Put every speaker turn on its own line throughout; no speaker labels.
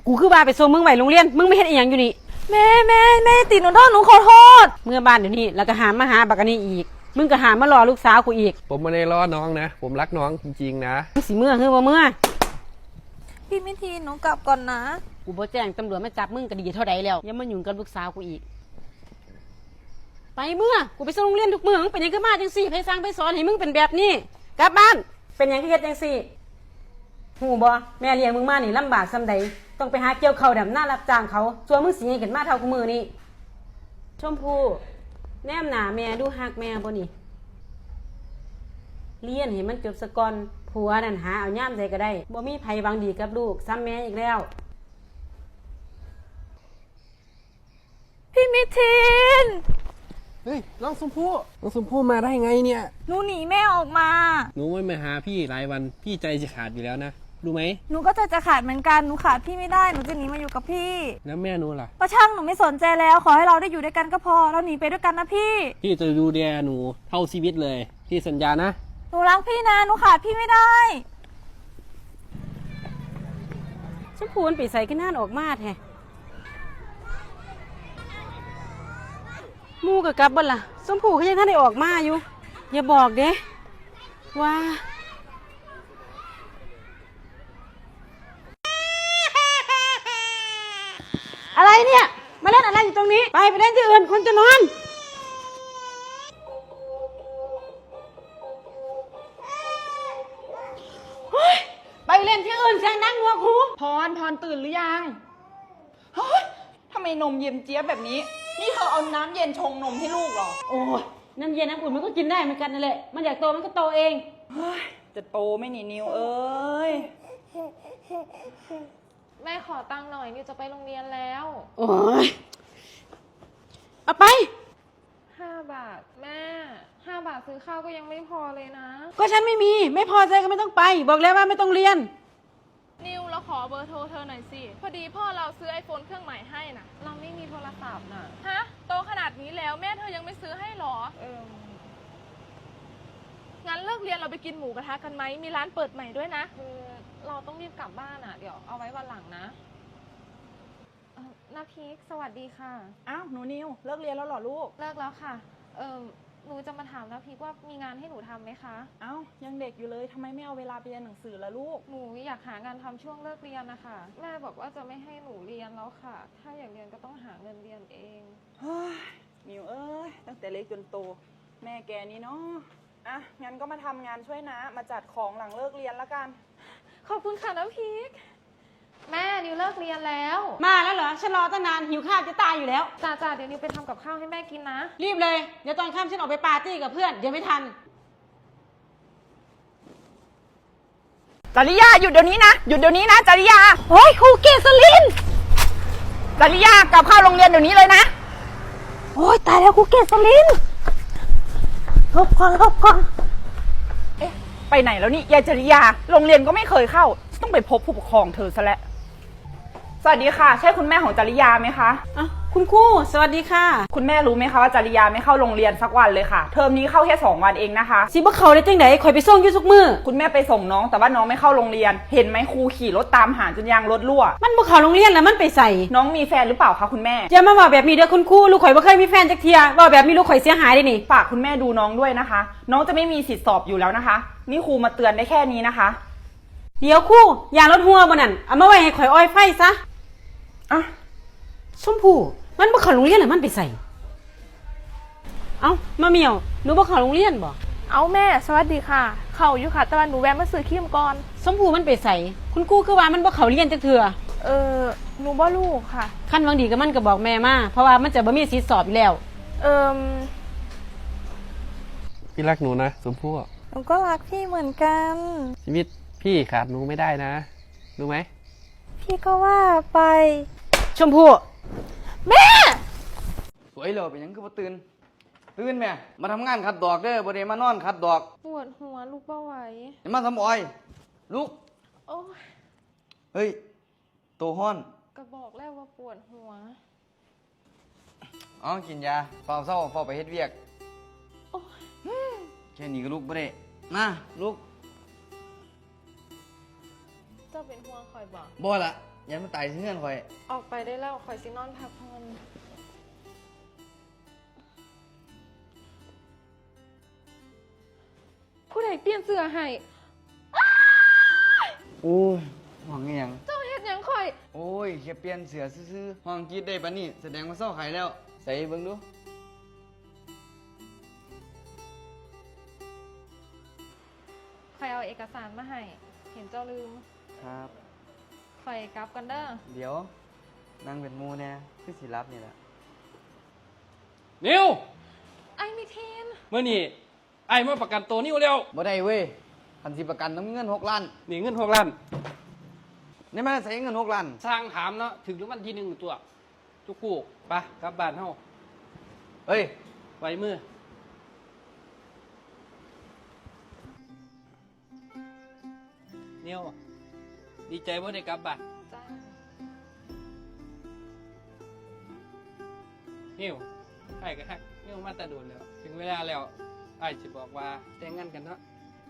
กูคือว่าไปส่งมึงไว้โรงเรียนมึงไม่เห็นอีหยังอยู่นี่
แม่ติดหนูโทษหนูขอโทษ
เมื่อบ้านเดี๋ยวนี้แล้วก็หามาหาบักอันนี้อีกมึงก็หามารอลูกสาวกูอีก
ผมไม่ได้ล้อน้องนะผมรักน้องจริงๆนะ
มึงสิเมื่อคือบ่เมื่อ
พี่มิทีนหนูกลับก่อนนะ
กูบ่แจ้งตำรวจมาจับมึงก็ดีเท่าใดแล้วอย่ามายุ่งกับลูกสาวกูอีกไปเมื่อกูไปส่งโรงเรียนทุกมื้อมึงเป็นหยังก็มาจังซี่ไผสั่งไผสอนให้มึงเป็นแบบนี้กลับบ้านเป็นหยังคือเฮ็ดจังซี่หูบ่แม่เลี้ยงมึงมานี่ลำบากส่ำใดต้องไปหาเกี่ยวข้าวดำหน้ารับจ้างเขาส่วนมึงสิให้ขึ้นมาเท่ากูมื้อนี้ชมพู่แนมหน้าแม่ดูฮักแม่บ่นี่เรียนให้มันจบซะก่อนผัวนั่นหาเอาย่ามใดก็ได้บ่มีไผหวังดีกับลูกซ้ำแม่อีกแล้ว
พี่มิทีน
เฮ้ยน้องชมพู่มาได้ไงเนี่ย
หนูหนีแม่ออกมา
หนูไม่มาหาพี่หลายวันพี่ใจจะขาดอยู่แล้วนะรู้ไหม
หนูก็จะขาดเหมือนกันหนูขาดพี่ไม่ได้หนูจะหนีมาอยู่กับพี่
แล้วแม่หนูล่ะ
ป้าช่างหนูไม่สนใจแล้วขอให้เราได้อยู่ด้วยกันก็พอเราหนีไปด้วยกันนะพี่
จะดูแลหนูเท่าชีวิตเลยพี่สัญญานะ
หนูรักพี่นะหนูขาดพี่ไม่ได้
ชมพู่มันไปใส่ขึ้นหน้าออกมาแท้มูกับกลับบ่ล่ะชมพู่เขายังท่านได้ออกมาอยู่อย่าบอกเด้ว่าอะไรเนี่ยมาเล่นอะไรอยู่ตรงนี้ไปเล่นที่อื่นคนจะนอนไปเล่นที่อื่นเสียงดังหัวคู
พรตื่นหรือยังเฮ้ยทำไมนมเย็นเจี๊ยบแบบนี้นี่เธอเอาน้ำเย็นชงนมให้ลูกเหรอ
โอ้ยน้ำเย็นน้ำอุ่นมันก็กินได้เหมือนกันนั่นแหละมันอยากโตมันก็โตเอง
เฮ้ยจะโตไม่หนีนิวเอ้ย
แม่ขอตังค์หน่อยนิวจะไปโรงเรียนแล้ว
โอ้ยเอาไป
5 บาทแม่5 บาทซื้อข้าวก็ยังไม่พอเลยนะ
ก็ฉันไม่มีไม่พอใจก็ไม่ต้องไปบอกแล้วว่าไม่ต้องเรียน
นิวเราขอเบอร์โทรเธอหน่อยสิพอดีพ่อเราซื้อ iPhone เครื่องใหม่ให้นะเราไม่มีโทรศัพท์นะฮะโตขนาดนี้แล้วแม่เธอยังไม่ซื้อให้หรองั้นเลิกเรียนเราไปกินหมูกระทะกันไหมมีร้านเปิดใหม่ด้วยนะคือเราต้องรีบกลับบ้านอ่ะเดี๋ยวเอาไว้วันหลังนะนาพีคสวัสดีค่ะ
อ้าวหนูนิวเลิกเรียนแล้วเหรอลูก
เลิกแล้วค่ะหนูจะมาถามนาพีคว่ามีงานให้หนูทำไหมคะ
อ้าวยังเด็กอยู่เลยทำไมไม่เอาเวลาไปเรียนหนังสือล่ะลูก
หนูอยากหางานทำช่วงเลิกเรียนนะคะแม่บอกว่าจะไม่ให้หนูเรียนแล้วค่ะถ้าอยากเรียนก็ต้องหาเงินเรียนเอง
เฮ้ยนิวเอ้ยตั้งแต่เล็กจนโตแม่แกนี่เนาะอ่ะงั้นก็มาทำงานช่วยนะมาจัดของหลังเลิกเรียนละกัน
ขอบคุณค่ะน้าพีคแม่นิวเลิกเรียนแล้ว
มาแล้วเหรอฉันรอตั้งนานหิวข้าวจะตายอยู่แล้ว
จ้าเดี๋ยวนิวไปทำกับข้าวให้แม่กินนะ
รีบเลยเดี๋ยวตอนค่ำฉันออกไปปาร์ตี้กับเพื่อนเดี๋ยวไม่ทัน
จริยาหยุดเดี๋ยวนี้นะหยุดเดี๋ยวนี้นะจริยา
โอ้ยครูเกษลิน
จริยากลับเข้าโรงเรียนเดี๋ยวนี้เลยนะ
โอ้ยตายแล้วครูเกษลินหลบก่อน
เอ๊ะไปไหนแล้วนี่ยายจริยาโรงเรียนก็ไม่เคยเข้าต้องไปพบผู้ปกครองเธอซะแล้วสวัสดีค่ะใช่คุณแม่ของจริยาไหมคะ
คุณครูสวัสดีค่ะ
คุณแม่รู้ไหมคะว่าจริยาไม่เข้าโรงเรียนสักวันเลยค่ะเทอมนี้เข้าแค่2 วันเองนะคะ
สิบ่เข้าได้จังได๋ข่อยไปส่งอยู่ทุกมื้อ
คุณแม่ไปส่งน้องแต่ว่าน้องไม่เข้าโรงเรียนเห็นไหมครูขี่รถตามหาจนยางรถรั่ว
มันบ่เข้าโรงเรียนแล้วมันไปใส่
น้องมีแฟนหรือเปล่าคะคุณแม่
อย่ามาว่าแบบนี้เด้อคุณครูลูกข่อยบ่เคยมีแฟนจักเที่ยว่าแบบนี้ลูกข่อยเสียหายเด้นี่
ฝากคุณแม่ดูน้องด้วยนะคะน้องจะไม่มีสิทธิ์สอบอยู่แล้วนะคะนี่ครูมาเตือนได้แค่นี้นะคะ
เดี๋ยวครูยางรถหัวบ่นั่นเอามาไว้ให้ข่อยอ้อยไฟซะ
อ่ะ
ชมพู่มันบ่เข้าโรงเรียนแล้วมันไปใส่เอ้ามาเมียวหนูบ่เข้าโรงเรียนบ่
เอาแม่สวัสดีค่ะเข้าอยู่ค่ะแต่ว่าหนูแวะมาซื้อครีมก่อน
ชมพู่มันไปใส่คุณครูคือว่ามันบ่เข้าเรียนจักเทื่อ
หนูบ่รู้ค่ะ
คันหวังดีก็มันก็บอกแม่มาเพราะว่ามันจะบ่มีสิทธิ์สอบอยู่แล้ว
พี่รักหนูนะชมพู่
หนูก็รักพี่เหมือนกัน
ชีวิตพี่ขาดหนูไม่ได้นะรู้ไหม
พี่ก็ว่าไป
ชมพู่
แม่
สวยเลยเป็นยังคือบ่ตื่นแม่มาทำงานขัดดอกเด้อบ่ได้มานอนขัดดอก
ปวดหัวลุกบ่ไหว
อย่ามาทำอ้อยลุก
โอ้ย
เฮ้ยโตฮ้อน
ก็บอกแล้วว่าปวดหัว
อ๋อกินยาเฝ้าเศร้าเฝ้าไปเฮ็ดเวียก
โอ้
ยแค่นี้ก็ลุกบ่ได้มาลุก
เจ้าเป็นห่วงคอยบอก
บ่ละยันมันตายเงื่อนข่อย
ออกไปได้แล้วคอยสินอนพักผ่อนผู้ใดเปลี่ยนเสื้อให้
โอ้ยห้องอีหยัง
เจ้าเฮ็ดหยังคอย
โอ้ยแค่เปลี่ยนเสือซื่อๆห้องกรีดได้ปะนี่แสดงว่าเศร้าขายแล้ว ใส่เบิ่งดู
คอยเอาเอกสารมาให้ เห็นเจ้าลืม
ครับ
คอยกลับกันเด้อ
เดี๋ยวนั่งเป็นหมูแน่คือสิรับนี่แหละ
นิว
ไอ้มิเทน
เมื่อนี่ไอ้มาประกันตัวนิวแล้ว
บ่ได้เว้ยคันสิประกันต้องมีเงิน6 ล้าน
นี่เงิน6 ล้าน
นี่มันใส่เงิน6 ล้าน
สร้างถามเนาะถึงรางวัลที่1ตัวจุกกูกไปกลับบ้านเฮา
เฮ้ย
ไว้มือนิวดีใจว่าได้กลับบ้าน
จ้า
นิวไอ้ก็ฮักนิวมาแตะโดนแล้ว ถึงเวลาแล้วไอ้จะบอกว่าแต่งงานกันเนาะ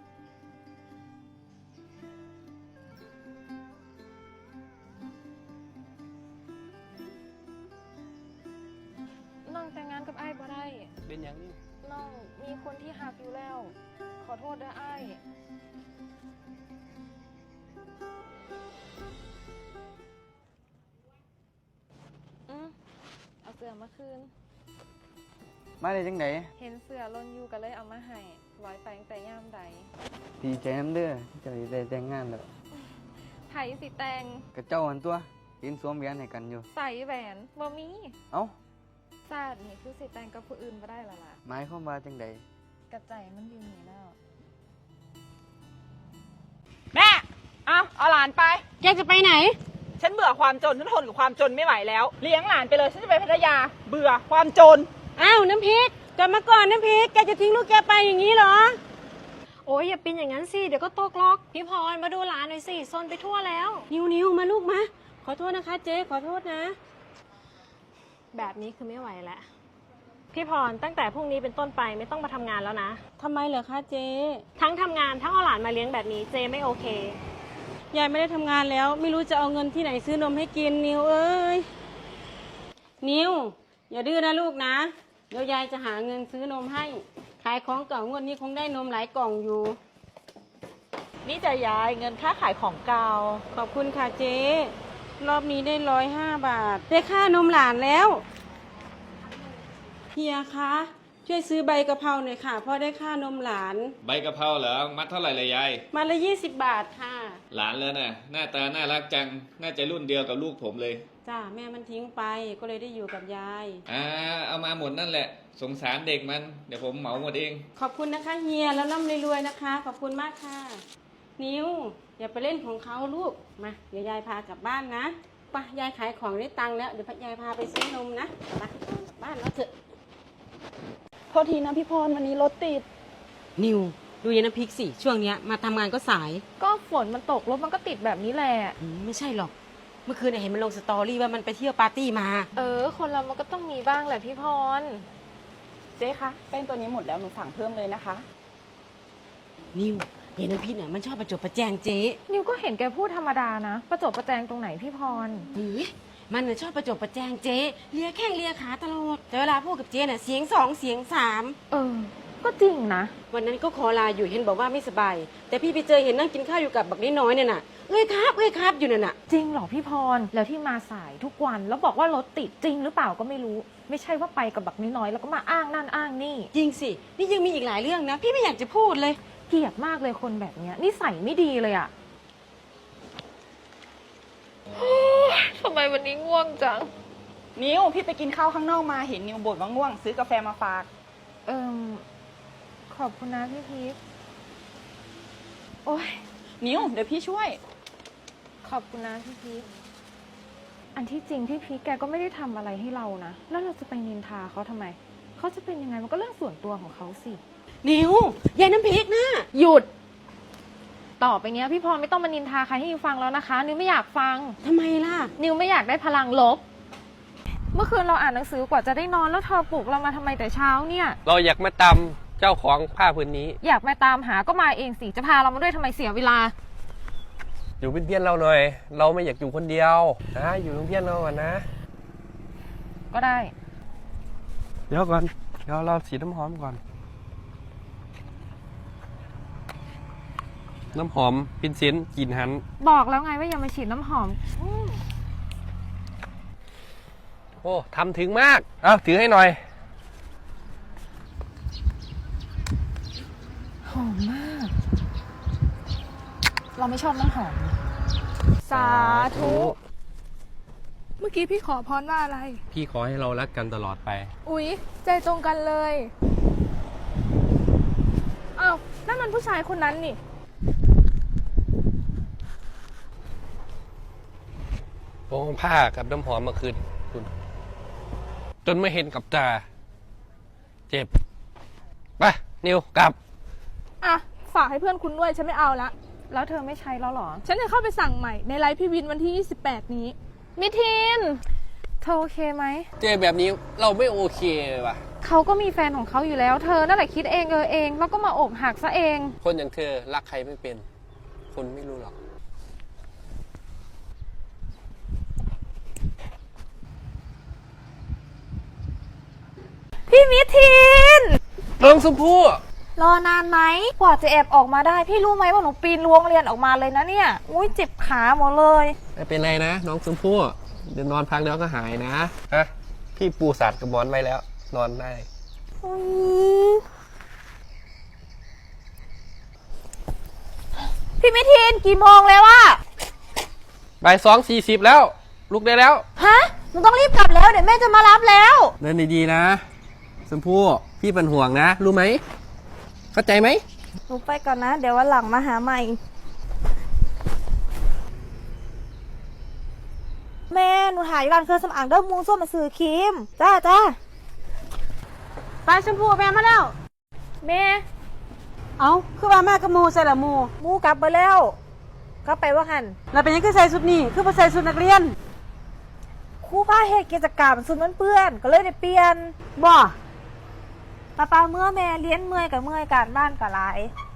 น้องแต่งงานกับไอ้บ่ได้
เป็นอย่างนี้
น้องมีคนที่หักอยู่แล้ว ขอโทษเด้อไอ้เอาเสื้อมาคืน
มาได้จังได
เห็นเสื้อลนอยู่ก็เลยเอามาให้ร้อยไปตั้งแต่ย่ามใด
ดีใจนำเด้อที่จะได้แต่งงานแล้ว
ไผสิแต่ง
กับเจ้าหันตัวยืนสวมแหวนให้กันอยู่
ใส่แหวนบ่มี
เอ้า
ศาสตร์นี่คือสิแต่งกับผู้อื่นบ่ได้ละล่ะ
หมายความว่าจังได
กระใจมันอยู่นี่แล้ว
แม่ เอาหลานไป
แกจะไปไหน
ฉันเบื่อความจน ฉันทนกับความจนไม่ไหวแล้ว เลี้ยงหลานไปเลย ฉันจะไปพัทยา เบื่อความจน
อ้าวน้ำพริกกลับมาก่อนน้ำพริกแกจะทิ้งลูกแกไปอย่างนี้เหรอ
โอ้ยอย่าเป็นอย่างนั้นสิเดี๋ยวก็ตกล็อกพี่พรมาดูหลานหน่อยสิซนไปทั่วแล้ว
นิวมาลูกมาขอโทษนะคะเจ๊ขอโทษนะ
แบบนี้คือไม่ไหวแล้วพี่พรตั้งแต่พรุ่งนี้เป็นต้นไปไม่ต้องมาทำงานแล้วนะ
ทำไมเหรอคะเจ๊
ทั้งทำงานทั้งเอาหลานมาเลี้ยงแบบนี้เจไม่โอเค
ยายไม่ได้ทำงานแล้ว ไม่รู้จะเอาเงินที่ไหนซื้อนมให้กินนิวเอ้ยนิวอย่าดื้อนะลูกนะเดี๋ยวยายจะหาเงินซื้อนมให้ ขายของเก่างวดนี้คงได้นมหลายกล่องอยู่
นี่จะยายเงินค่าขายของเก่า
ขอบคุณค่ะเจ๊รอบนี้ได้105 บาท ได้ค่านมหลานแล้วเฮียคะช่วยซื้อใบกะเพราหน่อยค่ะเพราะได้ค่านมหลาน
ใบกะเพราเหรอ มัดเท่าไหร่เลยยาย
มาละ20 บาทค่ะ
หลานแล้วน่ะ หน้าตาน่ารักจัง น่าจะรุ่นเดียวกับลูกผมเลย
จ้าแม่มันทิ้งไปก็เลยได้อยู่กับยาย
เอามาหมดนั่นแหละ สงสารเด็กมัน เดี๋ยวผมเหมาหมดเอง
ขอบคุณนะคะเฮียแล้วร่ำรวยๆนะคะ ขอบคุณมากค่ะ นิวอย่าไปเล่นของเขาลูกมาเดี๋ยวยายพากลับบ้านนะไปยายขายของได้ตังค์แล้วเดี๋ยวยายพาไปซื้อนมนะไปกลับบ้านแล้วเถอะ
โทษทีนะพี่พรวันนี้รถติด
นิวดูยายน้ำพริกสิช่วงเนี้ยมาทำงานก็สาย
ก็ฝนมันตกรถมันก็ติดแบบนี้แหละ
ไม่ใช่หรอกเมื่อคืนเห็นมันลงสตอรี่ว่ามันไปเที่ยวปาร์ตี้มา
คนเรามันก็ต้องมีบ้างแหละพี่พร
เจ๊คะแป้งตัวนี้หมดแล้วหนูสั่งเพิ่มเลยนะคะ
นิวยายน้ำพริกเนี่ยมันชอบประจบประแจงเจ๊
นิวก็เห็นแกพูดธรรมดานะ ประจบประแจงตรงไหนพี่พร
มันน่ะชอบประจบประแจงเจ๊เลียแข้งเลียขาตลอดแต่เวลาพูดกับเจ๊เนี่ยเสียง2เสียง3
ก็จริงนะ
วันนั้นก็ขอลาอยู่เห็นบอกว่าไม่สบาย แต่พี่ไปเจอเห็นนั่งกินข้าวอยู่กับบักน้อยๆเนี่ยน่ะเอ้ยครับอยู่นั่นน่ะ
จริงเหรอพี่พร แล้วที่มาสายทุกวันแล้วบอกว่ารถติดจริงหรือเปล่าก็ไม่รู้ ไม่ใช่ว่าไปกับบักน้อยๆแล้วก็มาอ้างนั่นอ้างนี่
จริงสินี่ยังมีอีกหลายเรื่องนะ พี่ไม่อยากจะพูดเลย
เกลียดมากเลยคนแบบเนี้ยนิสัยไม่ดีเลยอะทำไมวันนี้ง่วงจัง
นิวพี่ไปกินข้าวข้างนอกมาเห็นนิวบ่นว่าง่วง ซื้อกาแฟมาฝาก
ขอบคุณนะพี่พีค
โอ้ยนิวเดี๋ยวพี่ช่วย
ขอบคุณนะพี่พีค อันที่จริงพี่พีคแกก็ไม่ได้ทำอะไรให้เรานะ แล้วเราจะไปนินทาเขาทำไม เขาจะเป็นยังไงมันก็เรื่องส่วนตัวของเขาสิ
นิวยายน้ำพริกนะ
หยุด ต่อไปเนี้ยพี่พรไม่ต้องมานินทาใครให้นิวฟังแล้วนะคะ นิวไม่อยากฟัง
ทำไมล่ะ
นิวไม่อยากได้พลังลบ เมื่อคืนเราอ่านหนังสือกว่าจะได้นอนแล้วเธอปลุกเรามาทำไมแต่เช้าเนี่ย
เราอยากมาตำเจ้าของผ้าพื้นนี้
อยากมาตามหาก็มาเองสิ จะพาเรามาด้วยทำไมเสียเวลา
อยู่เป็นเพื่อนเราหน่อย เราไม่อยากอยู่คนเดียวนะอยู่เป็นเพื่อนเราก่อนนะ
ก็ได้
เดี๋ยวก่อนเดี๋ยวเราฉีดน้ำหอมก่อน น้ำหอมเป็นเซนต์กลิ่นหัน
บอกแล้วไงว่าอย่ามาฉีดน้ำหอม
โอ้ทำถึงมากเอาถือให้หน่อย
หอมมาก เราไม่ชอบน้ำหอม
สาธุ เมื่อกี้พี่ขอพรว่าอะไร
พี่ขอให้เรารักกันตลอดไป
อุ๊ย ใจตรงกันเลย อ้าว นั่นมันผู้ชายคนนั้นนี่
โอ้ผ้ากับน้ำหอมมาคืนคุณ จนไม่เห็นกับตา เจ็บ ไป นิวกลับ
อ่ะ ฝากให้เพื่อนคุณด้วย ฉันไม่เอาละ
แล้วเธอไม่ใช้แล้วเหรอ
ฉันจะเข้าไปสั่งใหม่ในไลฟ์พี่วินวันที่ 28 นี้ มิทิน
เธอโอเคไหม
เจอแบบนี้เราไม่โอเคเลยว่ะ
เขาก็มีแฟนของเขาอยู่แล้ว เธอนั่นแหละคิดเองเอง แล้วก็มาอกหักซะเอง
คนอย่างเธอรักใครไม่เป็น คนไม่รู้หรอก
พี่มิทิน
น้องชมพู่
รอนานไหมกว่าจะแอบออกมาได้ พี่รู้ไหมว่าหนูปีนรั้วโรงเรียนออกมาเลยนะเนี่ย อุ้ยเจ็บขาหมดเลย
ไม่เป็นไรนะ น้องชมพู่เดี๋ยวนอนพักแล้วก็หายนะฮะพี่ปูสัตว์กับหมอนไว้แล้ว นอนได้
พี่มิทินกี่โมงแล้วอะ
บ่าย2:40แล้ว ลุกได้แล้ว
ฮะหนูต้องรีบกลับแล้วเดี๋ยวแม่จะมารับแล้ว
เดินดีๆนะชมพู่พี่เป็นห่วงนะ รู้ไหม เข้าใจไหม
หนูไปก่อนนะ เดี๋ยววันหลังมาหาใหม่ แม่หนูหาอยู่ร้านเครื่องสำอางเด้อมูส้มมาซื้อครีมจ้า
ไปชมพูแม่มาแล้ว
แม่
เอาคือว่าแม่กับหมูใส่ละหมู
มูกลับไปแล้วกลับไปว่าหัน
แล้วเป็นยังคือใส่ชุดนี้คือบ่ใส่ชุดนักเรียน
ครู่ผ้าเหตุกิจกรรมสุดมันเปื้อนก็เลยได้เปลี่ยน
บ่
ป้าเมื่อแม่เลี้ยนเมื่อยกับเมื่อยการบ้านกับหลาย